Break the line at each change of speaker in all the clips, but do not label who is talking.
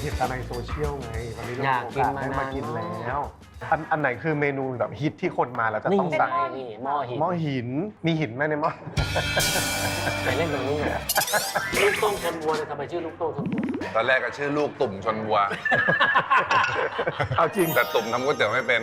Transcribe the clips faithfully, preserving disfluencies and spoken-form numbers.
เห็นแต่ในโซเชียลไงวันนี้เรา
อยากกินมา
ได้มากิน
นาน
แล้วอันอันไหนคือเมนูแบบฮิตที่คนมาแล้วจะ
นี่
ต้องสั่ง
นี่หม้อหิน
หม้อหินมีหินไหมในหม้อ
ไปเล่นตรงนี้ไงลูกโต้งชนวัวเลยทำไมชื่อลูกโต้งชนวัว
ตอนแรกก็ชื่อลูกตุ่มชนวัว
เอาจริง
แต่ตุ่มทำก๋วยเตี๋ยวไม่เป็น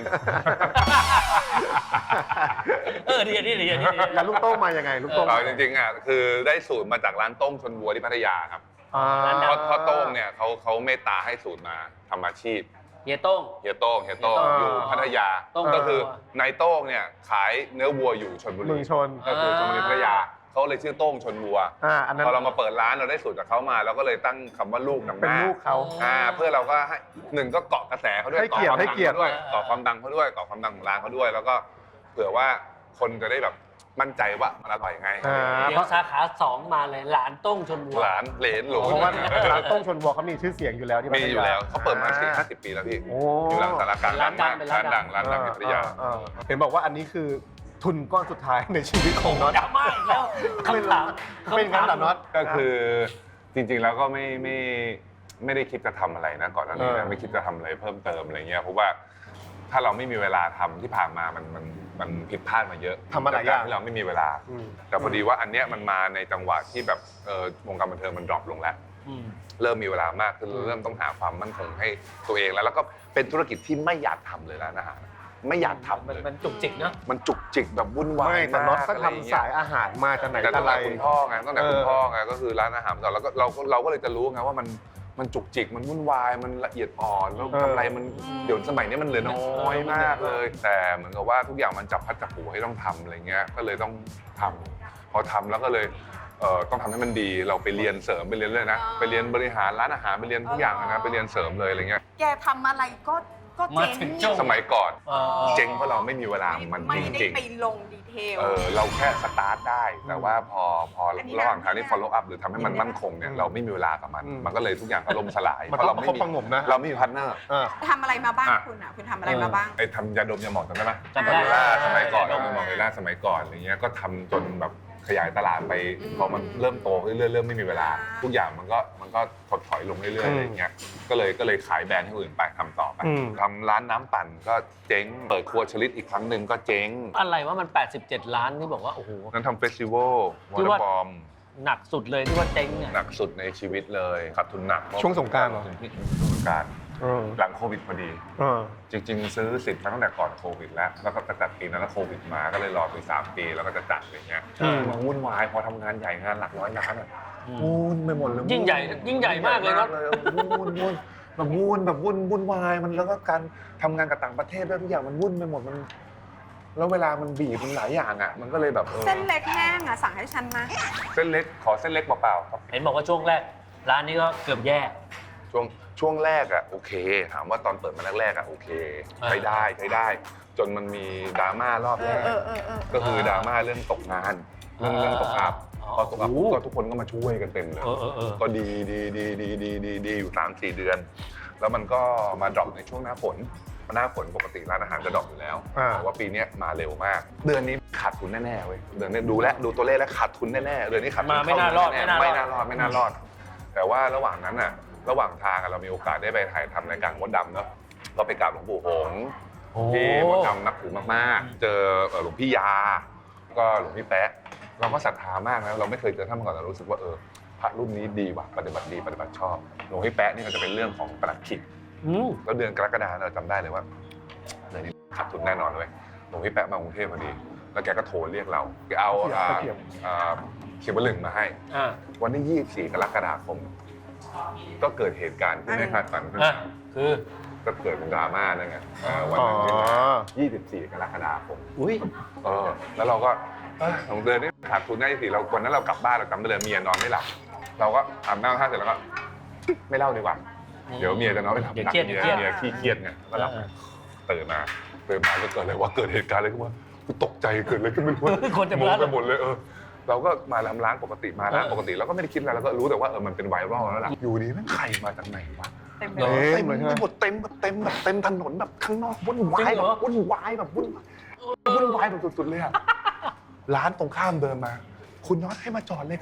เออดีดีดีดี
แล้วลูกโต้งมายังไงลูกโต้ง
เอาจริงๆอ่ะคือได้สูตรมาจากร้านต้มชนวัวที่พัทยาครับ
อ่า
เพราะเพราะโต้งเนี่ยเขาเขาเมตตาให้สูตรมาทำอาชีพ
เฮียโต้ง
เฮียโต้งเฮียโต้ง
เฮียโต้ง
อยู่พัทยา
โต้ง
ก็คือนายโต้งเนี่ยขายเนื้อวัวอยู่ชลบุ
เมื
รี
องชน
ก็คือชลบุรีพัทยาเขาเลยชื่อโต้งชนวัว
อ่าอันนั้น
พอเรามาเปิดร้านเราได้สูตรจากเขามาเราก็เลยตั้งคำว่าลูกนำห
เป็น
น้า
ลูกเขา
อ่าเพื่อเราก็ให้หนึ่งก็เกาะกระแสเขาด้วย
ให้เกียรติ
าะความ
ให้เกียรติ
ดังขาด้วยเกาะความดังเขาด้วยเกาะความดังของร้านเขาด้วย แล้วก็เผื่อว่าคนจะได้แบบมั่นใจว่ามันอร่อยไง
อ่า
เดี๋ยวสาขาสองมาเลยหลานโต้งชนวัว
หลานเหลนหลง
เพราะว่าร้านต้งชนวัวเขามีชื่อเสียงอยู่แล้วที่พัท
มี
ยา
อยู่แล้วเขาเปิดมาสี่ห้าสิบปีแล้วพี่
โอ้
อยู่หลังสารกลาง
ร้านดัง
มก
เป็นร้านดัง
ร้านดังที่พัทยา
อ่อ่อ่เห็นบอกว่าอันนี้คือทุนก้อนสุดท้ายในชีวิตของน็อต
ดราม่าอีกแล้วคำถาม
เป็นงั้นเหรอน็อต
ก็คือจริงๆแล้วก็ไม่ไม่ไม่ได้คิดจะทำอะไรนะก่อนหน้านี้
เอ
นะ
อ
ไม่คิดจะทำอะไรเพิ่มเติมอะไรเงี้ยเพราะว่าถ้าเราไม่มีเวลาทำที่ผ่านมามันมันมันผิดพลาดมาเยอะ
ทำมาหลายอย่าง
จกรที่เราไม่มีเวลา
อืม
แต่พอดีว่าอันเนี้ยมันมาในจังหวะที่แบบเออวงการบันเทิงมันดรอปลงแล้ว
อืม
เริ่มมีเวลามากขึ้นเริ่มต้องหาความมั่นคงให้ตัวเองแล้วแล้วก็เป็นธุรกิจที่ไม่อยากทำเลยแล้วนะฮะไม่อยากทำ
มัน
เลย
มันจุกจิกเนอะ
มันจุกจิกแบบวุ่นวาย
ไม่แต่น็อตก็
อะไรอย่างเงี้
ทำสายอาหารมาจากไหน
แต่
แต่
ตั้ง
ไร
แต่คุณพ่อไงตั้งแต่คุณ
เออ
พ่อไงก็คือร้านอาหารก่อนแล้วก็เราก็เราก็เลยจะรู้ไงว่ามันมันจุกจิกมันวุ่นวายมันละเอียดอ่อนแล้วกำไรมันเดี๋ยวสมัยนี้มันเหลือน้อยมากเลย แต่เหมือนกับว่าทุกอย่างมันจับพัดจับผูให้ต้องทำอะไรเงี้ยก็เลยต้องทำพอทำแล้วก็เลยเอ่อต้องทำให้มันดีเราไปเรียนเสริมไปเรียนเลยนะไปเรียนบริหารร้านอาหารไปเรียนทุกอย่างนะไปเรียนเสริมเลยอะไรเงี้ย
แกทำอะไรก็ก็
มา
เจ๊
ถึ
ง
งจุก
สมัยก่อน
เออ
เจ๊งเพราะเราไม่มีเวลามัน
ไม่
จ
ได้
ริง
ไปลงดีเทล
ๆเออเราแค่สตาร์ทได้ แต่ว่าพอพอ
อันนี้
ระหว่างทางที่
นะ
follow up หรือทำให้มันมั่นคงเนี่ย
อืม
เราไม่มีเวลากับมัน
อืม
มันก็เลยทุกอย่างก็ล่มสลาย
มัน
เพราะ
ต้
เรา
อง
ไม่
ประ
มี
คบประหงมนะ
เราไม่มีพาร์ทเนอร์
อ่า
ทำอะไรมาบ้าง
อ่ะ
คุณอ่ะคุณทำอะไรมาบ้าง
ไอ้ทำยาดมยาหมองจำได้ไหม
จำได้
เวลาสมัยก่อน
ยาดม
ยาหมองเวลาสมัยก่อนอะไรเงี้ยก็ทำจนแบบขยายตลาดไป
อืม
พอมันเริ่มโตขึ้นเรื่อยๆเริ่มไม่มีเวลา ทุกอย่างมันก็มันก็ถดถอยลงเรื่อยๆอะไรเงี้ยก็เลยก็เลยขายแบรนด์ให้คนอื่นไปทำต่อไป
อืม
ทำร้านน้ำปั่นก็เจ๊งเปิดครัวชลิดอีกครั้งหนึ่งก็เจ๊ง
อะไรว่ามันแปดสิบเจ็ดล้านที่บอกว่า โอ้โห
นั้นทำเฟสติวัลวอ
ที่
เตอ
ว่า
ร์บอม
หนักสุดเลยที่ว่าเจ๊งเนี่ย
หนักสุดในชีวิตเลยขาดทุนหนัก
ช่วงสงกรานต์เหรอ
ช่วงสงกรานต์
เออ
หลังโควิดพอดี
เออ
จริง ๆ ซื้อสิทธิ์มาตั้งแต่ก่อนโควิดแล้วแล้วก็จะจัดปีนั้นแล้วโควิดมาก็เลยรอไปสามปีแล้วก็จะจัดอะไรเงี้ย
อืม
มันวุ่นวายพอทำงานใหญ่งานหลักร้อยล้านอ่ะ
อืม
วุ่นไปหมดเลย
ยิ่งใหญ่ยิ่งใหญ่มากเลยเนอะ
วุ่นวุ่นวุ่นแบบวุ่นแบบวุ่นวุ่นวายมันแล้วก็การทำงานกับต่างประเทศด้วยทุกอย่างมันวุ่นไปหมดมัน แล้วเวลามันบีบมันหลายอย่างอ่ะมันก็เลยแบบออ
เส้นเล็กแห้งอ่ะสั่งให้ฉันมา
เส้นเล็กขอเส้นเล็กเปล่าๆครับ
เห็นบอกว่าช่วงแรก ร้านนี้ก็เกือบแย่
ช่วงช่วงแรกอ่ะโอเค ถามว่าตอนเปิดมาแรกๆอ่ะโอเค
อ่า
ใช้ได้ใช้ได้ จนมันมีดราม่ารอบ
เอ
แร
อก เออเออเออ
ก็คือดราม่าเรื่องตกงาน เรื่องเรื่องตกอัพ
อ๋อ
พอตกอัพ
โอ้โห
ก็ทุกคนก็มาช่วยกันเต็มเลย
เออเออเออ
ก็ดีดีดีดีดีดีดีอยู่สามสี่เดือน แล้วมันก็มาดรอปในช่วงหน้าฝนหน้าฝนปกติร้านอาหารจะดรอปอยู่แล้ว
อ่า
แต่ว่าปีเนี้ยมาเร็วมาก เดือนนี้ขาดทุนแน่ๆเว้ยเดือนนี้ดูแลวดูตัวเลขแล้วขาดทุนแน่ๆเดือนนี้ขาดทุน
มาไม่น่ารอด
เข้
ไม่
ไม่
น่า
น่าร ร
อ
อ
ด
ดไม่น่ารอด แต่ว่าระหว่างนั้นอ่ะระหว่างทางอะเรามีโอกาสได้ไปถ่ายทำรายการมดดำเนาะก็ไปกราบหลวงปู่หงส์
โอ้
ที่มดดำนับถือมากๆ เจอเอ่อหลวงพี่ยา ก็หลวงพี่แป๊ะ เราก็ศรัทธามากนะ เราไม่เคยเจอท่านมาก่อนแต่รู้สึกว่าเออพระรุ่นนี้ดีว่ะ ปฏิบัติดี ปฏิบัติชอบ หลวงพี่แป๊ะนี่ก็จะเป็นเรื่องของประหลัดขิก
อืม
แล้วเดือนกรกฎาคมเราจำได้เลยว่าเดือนนี้ขาดทุนแน่นอนเลยหลวงพี่แป๊ะมากรุงเทพพอดี แล้วแกก็โทรเรียกเราแกเอาอ่า
เขียว
อ่าเขียวบะหลึงมาให้
อ่า
วันที่ยี่สิบสี่กรกฎาคม ก็เกิดเหตุการณ์ที่ไม่คาดฝันขึ้น
อ่ะ
มา
คือ
ก็เกิดเป็นดราม่านั่นไงเอ่อวัน
อ๋อ
นั้นยี่สิบสี่กรกฎาคม
อุ้ย
เออแล้วเราก็เอ้ยสองเดือนนี้ขาดทุนได้สิเราวันนั้นเรากลับบ้านเราจำได้เลยเมียนอนไม่หลับ เราก็อาบน้ำท่าเสร็จแล้วก็ ไม่เล่าดีกว่า เดี๋ยวเมียจะนอนไม่หลับ
เดี๋ยว
หนัก
เครียด
เมีย
เดี๋ยวเครียด
เมียขี้เครียดไงก็หลับ
เออ
ตื่นมาตื่นมาก็เกิดอะไรวะเกิดเหตุการณ์อะไรขึ้นมากูตกใจเกิดอะไรขึ้นไม่รู้
คนจะ
งง
ร้าน
ไปหมดเลยเออเราก็มาร้านปกติมาร้าน
เออ
ปกติเราก็ไม่ได้คิดอะไรเราก็รู้แต่ว่าเออมันเป็นไวรัลแล้วล่ะอยู่ดีแม่งใครมาจากไหนวะ
เต็มไป
หร
หม
อ
ด
เต็มไปหมดเต็มแบบเต็มแบบเต็มถนนแบบข้างนอกวุ่นวาย
จริงเห
แบ
รอ
บวุ่นวายแบบวุ่นวุ่นวายแบบสุดๆเลยอะร้านตรงข้ามเดินมา คุณน็อตให้มาจอดเลยค่ะ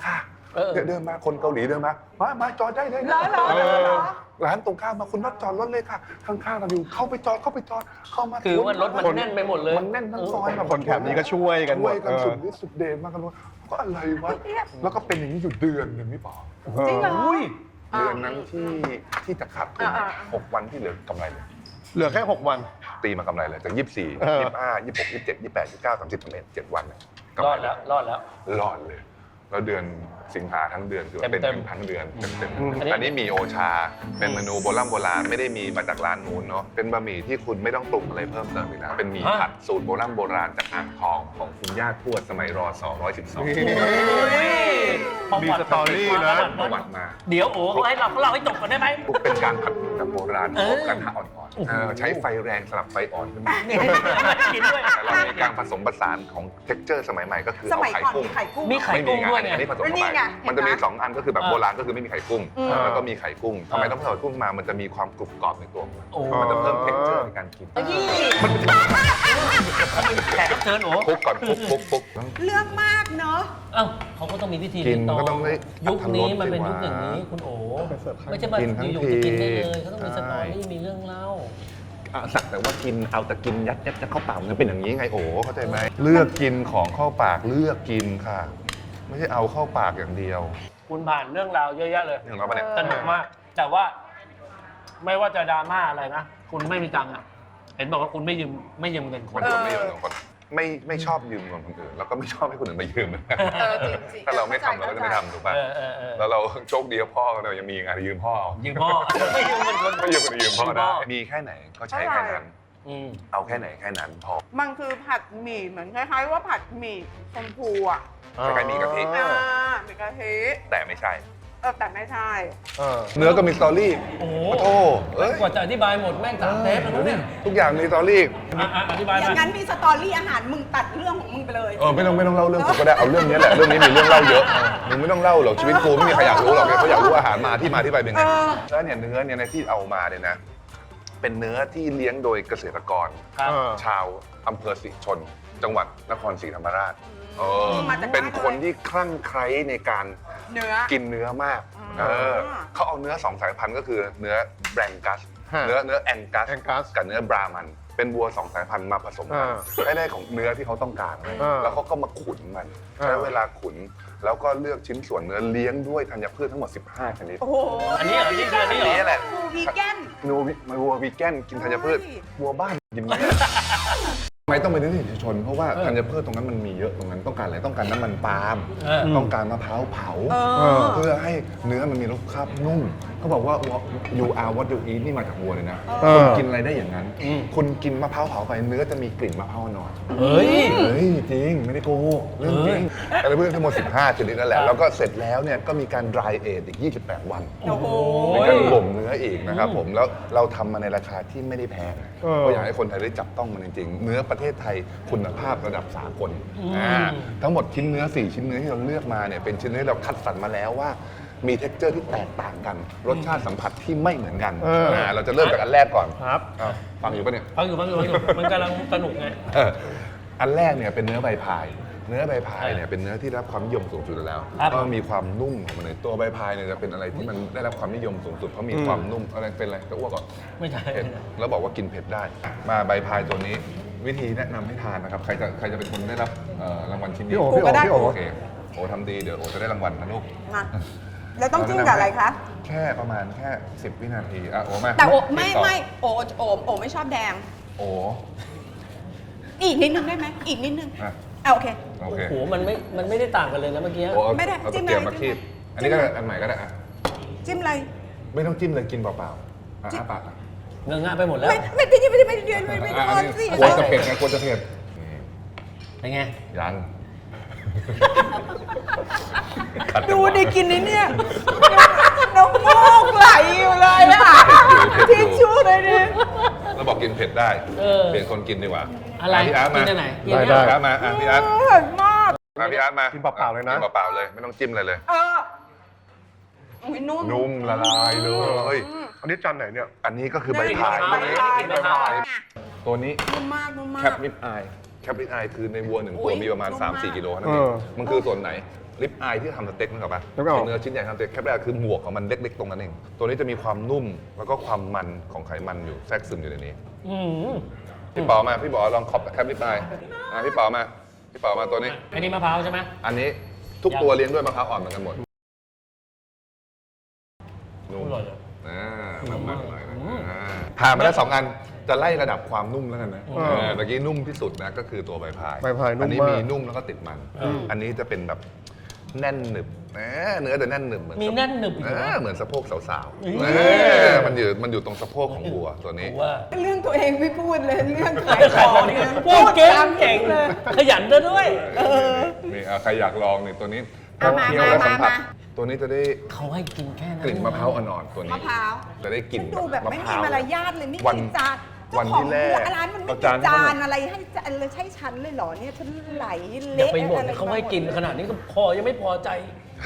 เออ
เนี่ยเดินมาคนเกาหลีเดินมามามาจอดได้เลย
เหรอเหรอเหรอเหรอ
ร้านตรงข้ามมาคุณน็อตจอดรถเลยค่ะข้างๆเราอยู่เข้าไปจอดเข้าไปจอดเข้ามา
คือว่ารถมันแน่นไปหมดเลย
มันแน่นทั้งซอยแบบ
คนแถบนี้ก็ช่วยกันหม
ช่ว
ด
ยกัน
เออ
สุดฤทธิ์สุดเดชมากกันว่าก็อะไรวะแล้วก็เป็นอย่างนี้อยู่เดือนหนึ่งพี่ป๋อ
จริงเหรอ
อุ้ย
เดือนนั้นที่ที่จะขาดทุน
อ่า
หกวันที่เหลือกำไรเลย
เหลือแค่หกวัน
ตีมากำไรเลยจากยี่สิบสี่
เออ
ยี่สิบห้ายี่สิบหกยี่สิบเจ็ดยี่สิบแปดยี่สิบเก้าสามสิบสามเอ็ดเจ็ดวันเนี่ยกำ
ร
ไร
อดแล้วรอดแล้ว
รอดเลย แล้วเดือนสิงหาทั้งเดือนคือ
เต็มๆ
เต็มๆทั้งเดือนเต็ม
อืม
ๆอันนี้มีโอชา เป็นเมนูโบราณโบราณไม่ได้มีมาจากร้านนู้นเนาะเป็นบะหมี่ที่คุณไม่ต้องปรุงอะไรเพิ่มเติมเลยนะเป็นหมี่ผัดสูตรโบราณโบราณจากอ่างทองของคุณย่าทวดสมัยรอสองร้อยสิบสอง
มีสตอรี่นะ
ประวัติมา
เดี๋ยวโอ้เขาให้เราเขาเล่าให้จบก่อนได้ไหม
เป็นการผัดแบบโบราณ
เออ
อบกระทะอ่อนๆเออใช้ไฟแรงสลับไฟอ่อนขึ้นมา
นี่กินด้วย
แต่เรามีการผสมผสานของ texture สมัยใหม่ก็คือ
ส
เอา
มัย
ไข่
ก่อน
กุ้ง
มีไข่กุ้ง
มีไข่
ไม่มี
กุ้ง
ไง
ด้วยไง
อันนี้ผสม
แล้วนี่
เข้าไป
ไง
มันจะมี
เห็นไหม
สองอันก็คือแบบ
เออ
โบราณก็คือไม่มีไข่กุ้ง
อืม
แล้วก็มีไข่กุ้งทำไมต้องผสมกุ้งมามันจะมีความกรุบกรอบในตัวมัน
โอ้
มันจะเพิ่ม texture ในการกิน
นี่
แขกรับเชิญโอ้
คลุกก่อนคลุกคลุกคลุก
เรื่องมากเนอะ
เอ้าเขาก็ต้องมีพิธี
กิน
รีต
ก็ต้องได้
ยุคนี้
อรรถรส
มันเป็น
สิ
ยุค
วะ
อย่างนี้คุณโอ
ไปเสิร์ฟข้าง
ไม่ใช่มา
กินทั้ง
อยู่ๆจะกินได้เลย
ที
เขาต้องมีสตอรี่มีเรื่องเล่า
อ่ะสักแต่ว่ากินเอาแต่กินยัดยัดจะเข้าปากมันเป็นอย่างนี้ไงโอ้เข้าใจไหมเลือกกินของเข้าปากเลือกกินค่ะ ไม่ใช่เอาเข้าปากอย่างเดียว
คุณผ่านเรื่องราวเยอะแยะเลย
นี่ของเราปะเนี่ย
สนุกมาก แต่ว่าไม่ว่าจะดราม่าอะไรนะ คุณไม่มีตังค์อ่ะ เห็นบอกว่าคุณไม่ยืมไม่ยืมเงินค
คน นคนไม่ยืมเงินคนไม่ไม่ชอบยืมเงินคนอื่นแล้วก็ไม่ชอบให้คนอื่นมายืม
เออจริงๆ
ถ้าเราไม่ทำเราก็จะไม่ทำถูกป่ะ
เออเออเออ
แล้วเราโชคดีว่าพ่อเรายังมีงานยืมพ่อเอา
ยืมพ่อ ไม่ยืมเงินคน
ไม่ยืมคนอื่นยืมพ่อ
ยืมพ่
ได้
อ
มีแค่ไหนก็ใช้แค่นั้น
อืม
เอาแค่ไหนแค่นั้นพอ
มันคือผัดหมี่เหมือนคล้ายๆว่าผัดหมี่ชมพูอ่ะ
คล้ายๆหมี่กะทิ
อ่าหมี่กะทิ
แต่ไม่ใช่
เออแต่ไม่ใช่
เออ
เนื้อก็มีสตอรี่
โอ้โห
โอ้โธ่เอ้ย
กว่าจะอธิบายหมดแม่งสามเทปแล้วเนี่ย
ทุกอย่างมีสตอรี่
อ่ะอ่ะอธิบาย
อ
มา
ย่างนั้นมีสตอรี่อาหารมึงตัดเรื่องของมึงไปเลย
เออไม่ต้องไม่ต้องเล่าเรื่องผมก็ได้เอาเรื่องนี้แหละเรื่องนี้มีเรื่องเล่าเยอะมึงไม่ต้องเล่าหรอกชีวิตกูไม่มีใครอยากรู้หรอกเขาอยากรู้อาหารมาที่มาที่ไปเป็นไง
เออ
แล้วเนี่ยเนื้อเนี่ยในที่เอามาเนี่ยนะ เป็นเนื้อที่เลี้ยงโดยเกษตรกร
ครับ
เออ
ชาวอำเภอศรีชน จังหวัดนครศรีธรรมราชเออ
มาจาก
เป็น
บ้านเลย
คนที่คลั่งไคล้ในการ
เนื้อ
กินเนื้อมาก
อืม
เออเขาเอาเนื้อสองสายพันธุ์ก็คือเนื้อแบรงกัส
ฮะ
เนื้อเนื้อแองกัส
Angus
กับเนื้อบรามัน เป็นวัวสองสายพันธุ์มาผสมกัน
อ่า
ได้ได้ของเนื้อที่เขาต้องการเลย
อ่า
แล้วเขาก็มาขุนมัน
อ่า
ใช้เวลาขุน แล้วก็เลือกชิ้นส่วนเนื้อเลี้ยงด้วยธัญพืชทั้งหมดสิบห้าชนิด
โอ้โห
อันนี้เหรอนี่คืออันนี้เหรอ
นี่แหละ
ฟูวีแกน
นูวิมันวัววีแกนกินธัญพืช
เฮ้ย
วัวบ้านกินเนื้อทำไมต้องเป็นเนื้อสีชน เพราะว่า
เออ
ธัญพืชตรงนั้นมันมีเยอะตรงนั้นต้องการอะไรต้องการน้ำมันปาล์ม
เออ
ต้องการมะพร้าวเผา
เอ
เอ
อ
อ
เพื่อให้เนื้อมันมีรสชาตินุ่มเขาบอกว่า you are what you eat นี่มาจากวัวเลยนะ
เออ
คุณกินอะไรได้อย่างนั้น
อืม
คุณกินมะพร้าวเผาไปเนื้อจะมีกลิ่นมะพร้าวอ่อน
เฮ้ย
เฮ้ยจริง ไม่ได้โกหกเรื่องจริงอะไรเพื่อนทั้งหมดสิบห้าชนิดนั่นแห
ครั
ละ
บ
แล้วก็เสร็จแล้วเนี่ยก็มีการ dry age อีกยี่สิบแปดวัน
โอ้โห
มีการบ่มเนื้ออีกนะครับผมแล้วเราทำมาในราคาที่ไม่ได้แพง
เออ
ก็อยากให้คนไทยได้จับต้องมันจริงๆ เนื้อประเทศไทยคุณภาพระดับสากล
อืม
อ่าทั้งหมดชิ้นเนื้อสี่ชิ้นเนื้อที่เราเลือกมาเนี่ยเป็นชิ้นเนื้อที่เราคัดสรรมาแล้วว่ามีเท็กเจอร์ที่แตกต่างกัน รสชาติสัมผัสที่ไม่เหมือนกัน
เอออ่
าเราจะเริ่มจากอันแรกก่อน
ครับ
อ้าวฟังอยู่ปะเนี่ย
ฟังอยู่ฟังอยู่ฟังอยู่มันกำลังสนุกไง
เอออันแรกเนี่ยเป็นเนื้อใบพาย เนื้อใบพายเนี่ยเป็นเนื้อที่ได้รับความนิยมสูงสุดอยู่แล้ว
ครับ
ก็มีความนุ่มของมันเลยตัวใบพายเนี่ยจะเป็นอะไรที่มันได้รับความนิยมสูงสุดเพราะมีความนุ่มอะไรเป็นอะไรจะอ้วกก่อน
ไม่ใช่
เผ็ดแล้วบอกว่ากินเผ็ดได้ มาใบพายตัวนี้วิธีแนะนำให้ทานนะครับ ใครจะใครจะเป็นคนได้รับเอ่อรางวัลชิ้นนี้
พี่โอ๋
กูก็ได้
พี่โอ๋
โอเคโอ้ทำดีเดี๋ยวโอ้จะได้รางวัลนะลูก
มาแล้วต้องจิ้มกับอะไรคะ
แค่ประมาณแค่สิบวินาทีอ่ะโอ้มา
แต่โอไม่
ต่
ไม่โอโอโอไม่ชอบแดง
โอ้
อีกนิดนึงได้ไหมอีกนิดนึง
อ่ะ
อ่ะโอเค
โอ
โอ้
เค
โห มันไม่ มันไม่ได้ต่างกันเลยนะเมื่อกี้
โอ้เอา
ไม่ได้
เอา
จิ้
ตะ
ม
เกียบ
เลย
มาคีบ
จิ้มเลย
อันนี้ก็ได้อันใหม่ก็ได้อ่ะ
จิ้มอะไร
ไม่ต้องจิ้มเลยกินเปล่าๆอ่ะ
จิ้ม
อ้าปากอ่ะ
เงอะงะไปหมดแล้ว
ไม่ไม่ไม่ไม่ไม่ไม่ไม่ไม่ไม่
อ่ะ
โด
อัน
น
นี้
สิ
กลัวจะเผ็ดไงกลัวจะเผ็ดนี่
เป็นไง
ยัง
ดูดิกินนี่เนี่ยน้ำมูกไหลอยู่เลยอ่ะทิชชู่เลยดิ
แล้วบอกกินเผ็ดได้
เออ
เปลี่ยนคนกินดีกว่า
อะไร
พี่อาร์ตมา
กินอันไหนกิน
ได้
อัน
ได้
ไหน
พี่อาร์ตมาอ่ะพี่อาร์ต
เผ็ดมาก
มาพี่อาร์ตมา
กินเปล่าๆเลยนะ
กินเปล่าๆเลยไม่ต้องจิ้มอะไรเลย
เอออุ๊ยนุ่ม
นุ่มละลายเลย
อันนี้จานไหนเนี่ย
อันนี้ก็คือใบ
ได้
พาย
ใบพายใบพาย
ตัวนี้
นุ่มมากนุ่มมา
แค
ก
ปริบอายแคปริบอายคือในวัวหนึ่งตัว
อุ๊ย
มีประมาณ
นุ่ม
สาม
มาก
สี่กิโลนั่นเอง
เออ
มันคือส่วนไหนลิปอายที่ทำสเต็กนึกออกปะ
นึกออก
เนื้อชิ้นใหญ่ทำสเต็กแค่แรกคือหมวกของมันเล็กๆตรงนั้นเองตัวนี้จะมีความนุ่มแล้วก็ความมันของไขมันอยู่แทรกซึมอยู่ในนี้
อืม
พี่ป๋อมาพี่ป๋อลองขอบแคปลิปอายอ่ะพี่ป๋อมาพี่ป๋อมาตัวนี้
อันนี้มะพร้าวใช่ไหม
อันนี้ทุกตัวเลี้ยงด้วยมะพร้าวอ่อนเหมือนกันหมดนุ่ม
อร่อยเลย
อ่ามันมันหน่อยนะอ่าผ่านมาแล้วสองอันจะไล่ระดับความนุ่มแล้วกันนะ
อืม
เออเมื่อกี้นุ่มที่สุดนะก็คือตัวใบพาย
ใบพายนุ่ม
อันี้
มาก
มีนุ่มแล้วก็ติดมัน
อืม
อันนี้จะเป็นแบบแน่นหนึบนะเนื้อจะแน่นหนึบเหมือน
มีแน่นหนึบอีกเหรอ
เออเหมือนสะโพกสาว
อืม
ๆเออมันอยู่มันอยู่ตรงสะโพกของวัวตัวนี้
ผมว่า
เรื่องตัวเองไม่พูดเลยเรื่องขาย
ขาย
ข
ข
อ
อง ง
เนี่ย
พูดเก่ง
ตาม
เก่ง
เลย
ขยันซะด้วย
นี่อ่ะใครอยากลองนี่ตัวนี้
เอามา
เคี้ยวแล้ว
มา
สัมผัส
มา
ตัวนี้จะได้
เขาให้กินแค่นั้น
กลิ่นมะพร้าวอ่อนๆตัวนี้
มะพร้าว
จะได้กลิ่น
ดูแบบไม่มีมารยาทเลยไม่
วัน
มีจาน
วันที่แรก
เจ้าของร้านมันไม่
เอา
มี
จาน
จานอะไรให้จานเลยใช่ฉันเลยเหรอเนี่ยฉันไหล
อย่า
เละ
ไปบ่น
อะไร
เขาให้กินขนาดนี้ก็พอยังไม่พอใจ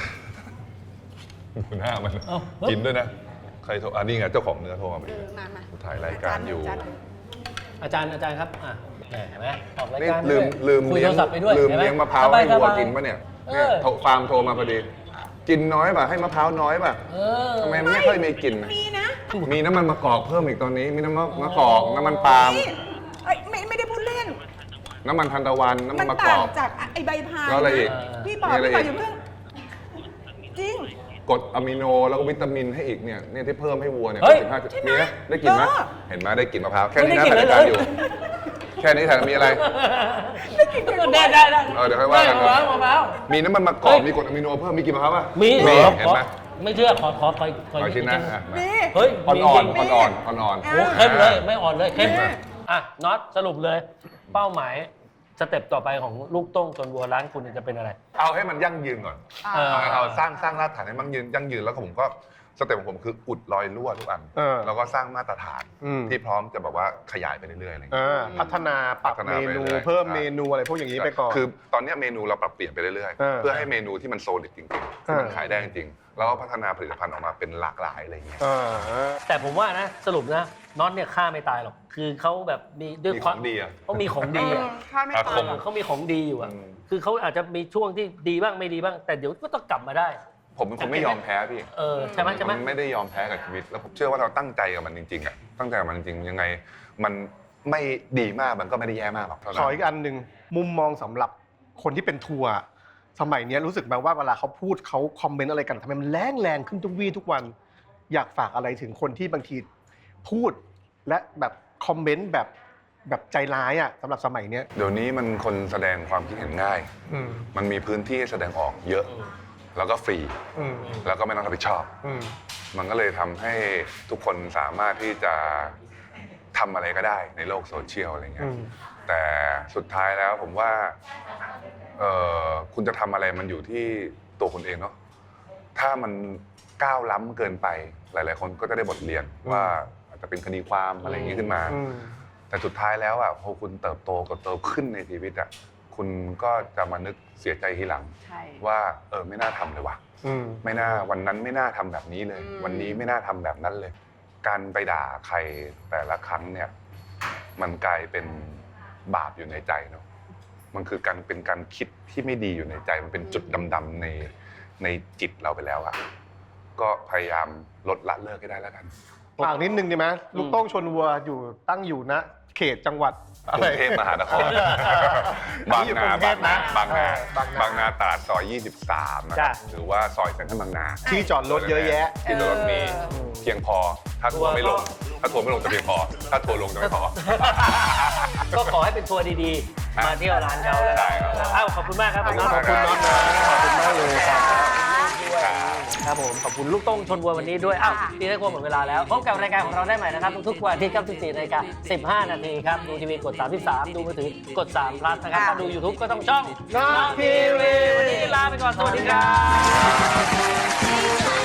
ดูหน้ามัน
เอ้า
กินด้วยนะ ใครโทรอันนี้ไงเจ้าของเนื้อโทรมาพอ
เอ
ดี
อมามา
ถ่ายรายการอยู่
จน
อาจารย์อาจารย์ครับอ่ะแหมเห็นไหมออกราย
นี่
การ
ลืม
ด้วย
ลืม
คุย
เลี้
โท
ยง
รศัพท์ไปด้วย
ลืม
ห็นไห
เลี้ยงมะพร้าว
สบ
ให้วัว
สบ
กินปะเนี่ย
เอ
เนี่ย
อ
โทรฟาร์มโทรมาพอดี กินน้อยป่ะให้มะพร้าวน้อยป่ะ
เออ
ทำไมไม่ค่อยมีกลิ่น
มีนะ
มีน้ำมันมะกอกเพิ่มอีกตอนนี้ มีน้ำมันมะกอกน้ำมันปาล์ม
นี่เอ้ยไม่ไม่ได้พูดเล่น
น้ำมันทันตะวันน้ำมั
มัน น
มะก
ต่า
อง ก
จากไอใบพาย
แล้วอะไรอีก
พี่บอก
มีอะไร
พี่บอก
อีก
อย่าเพิ่งจริง
กรดอะมิโนแล้วก็วิตามินให้อีกเนี่ยเนี่ยที่เพิ่มให้วัวเนี่ย
เฮ้ย
สิบห้า
ใช่ไหม
มีไหมได้กลิ่นไหม
เออ
เห็นไหมได้กลิ่นมะพร้าวแค่นี้นะ
ไม่ได้
ถ่าย
กลิ่
ราน ย
เลย
การอยู่ แค่นี้ถ่ายมีอะไร
ได้ได้ได้
เออเดี๋ยวค่อยว่ากัน
มะพร้าวมะพร้าว
มีน้ำมันมะกอกมีกรดอะมิโนเพิ่มมีกลิ่นมะพร้าวป่ะ
มี
มี
ขอ
เห็นไหม
ขอไม่เชื่อขอขอขอขอ
ขอชิ้นนะ
ชิ้
อ่ะมา
นี่
เฮ้ย
อ่อน
มี
อ่อน
จริง
อ่อนอ่อนอ่อนอ่อน
โอ้เข้มเลยไม่อ่อนเลยเข้ม
แม่
อ่ะน็อตสรุปเลย เป้าหมายสเต็ปต่อไปของลูกต้งชนวัวร้านคุณเนี่ยจะเป็นอะไร
เอาให้มันยั่งยืนก่อน
เออ
เอาเอาสร้างสร้างรากฐานให้มันยืนยั่งยืนแล้วก็ผมก็สเต็ปของผมคืออุดรอยรั่วทุกอัน
เออ
แล้วก็สร้างมาตรฐาน
อืม
ที่พร้อมจะแบบว่าขยายไปเรื่อยๆอะไรอย่าง
เอ
เงี้ย
อพัฒนาปรับ
พัฒนา
เม
ไป
นู
เรื่อยๆ
เพิ่ม
ใช่
เมนูอะไรพวกอย่างนี้ไปก่อน
คือตอนเนี้ยเมนูเราปรับเปลี่ยนไปเรื่อย
เออ
ๆ เพื่อให้เมนูที่มันโซลิดจริงๆที่มัน
เออ
ขายได้จริงๆแล้วก็พัฒนาผลิตภัณฑ์ออกมาเป็นหลากหลายอะไรอย่างเงี้ย
เออ
แต่ผมว่านะสรุปนะน็อตเนี่ยฆ่าไม่ตายหรอก คือเขาแบบมีด้วย
มี
ค
ข
วา
อ
ม
งดีอ่ะ
เขามีของดีอ่ะ
ข้าไม่
อา
ตา
ค
ย
ม
หรอก
เขามีของดีอยู่อ่ะ
อืม
คือเขาอาจจะมีช่วงที่ดีบ้างไม่ดีบ้าง แต่เดี๋ยวก็ต้องกลับมาได้
ผมเป็นคนไม่ยอมแพ้พี่
เออใช่ไหมใช่ไหม
นไม่ได้ยอมแพ้กับชีวิต แล้วผมเชื่อว่าเราตั้งใจกับมันจริงๆอ่ะตั้งใจกับมันจริงๆยังไง มันไม่ดีมากมันก็ไม่ได้แย่มากหรอกเท่า
ข
นั้
อน อีกอันหนึ่งมุมมองสำหรับคนที่เป็นทัวร์สมัยเนี้ยรู้สึกไหมว่าเวลาเขาพูดเขาคอมเมนต์อะไรกันทำไมมันแรงแรงขึ้นทุกวี่ทุกวัน อยากฝากอะไรถึงคนที่บางทีพูดและแบบคอมเมนต์แบบแบบใจร้ายอ่ะสำหรับสมัยเนี้ย
เดี๋ยวนี้มันคนแสดงความคิดเห็นง่าย
อืม
มันมีพื้นที่ให้แสดงออกเยอะ แล้วก็ฟรี
อืม
แล้วก็ไม่ต้องรับผิดชอบ
อืม
มันก็เลยทำให้ทุกคนสามารถที่จะทำอะไรก็ได้ในโลกโซเชียลอะไรเงี้
อื
ย
ม
แต่สุดท้ายแล้วผมว่าเอ่อคุณจะทำอะไรมันอยู่ที่ตัวคุณเองเนาะ ถ้ามันก้าวล้ำเกินไป หลาย ๆ คนก็จะได้บทเรียนว่าอาจจะเป็นคดีความอะไรอย่างนี้ขึ้นมา
อืม
แต่สุดท้ายแล้วอ่ะพอคุณเติบโตกับโตขึ้นในชีวิตอ่ะคุณก็จะมานึกเสียใจทีหลัง
ใช่
ว่าเออไม่น่าทำเลยว่ะ
อืม
ไม่น่าวันนั้นไม่น่าทำแบบนี้เลย
อืม
วันนี้ไม่น่าทำแบบนั้นเลย การไปด่าใครแต่ละครั้งเนี่ย มันกลายเป็นบาปอยู่ในใจเนาะมันคือการเป็นการคิดที่ไม่ดีอยู่ในใจ มันเป็นจุดดำๆในในจิตเราไปแล้วอะก็พยายามลดละเลิกให้ได้แล้วกัน
ฝากนิดนึงดีไหมลูกโต้งชนวัวอยู่ตั้งอยู่ณเขตจังหวัด
กรุงเทพมหานคร บางนา บางนา บางนา
บางนา
บางนาตราดซอย ยี่สิบสามนะค
จ้ะ
รับหรือว่าซอยเซ็นทรัลบางนา
ที่จอดรถเยอะแยะ
ที่จอดรถมีเพียงพอ ถ้าทัวร์ไม่ลง ถ้าทัวร์ไม่ลงจะเพียงพอ ถ้าทัวร์ลงจะไม่พอ
ก็ขอให้เป็นทัวร์ดีๆ มาเที่ยวร้านเขาแล้ว
ได้ครับ
อ้าวขอบคุณมากครับ
ขอบคุณ
น้อง
มาก
ขอบคุณน้องนะ
ขอบคุณมากเลยครับ
ครับผมขอบคุณลูกต้งชนวัววันนี้ด้วยอ้าวทีนี้ครัวหมดเวลาแล้วพบกับรายการของเราได้ใหม่นะครับทุกๆวันอาที่ครับสิบสี่นาฬิกาสิบห้านาทีครับดูทีวีกดสามสิบสามดูมือถือกดสาม plus นะครับถ้าดู YouTube ก็ต้องช่อง
น้องทีวี
วันนี้ลาไปก่อนสวัสดีครับ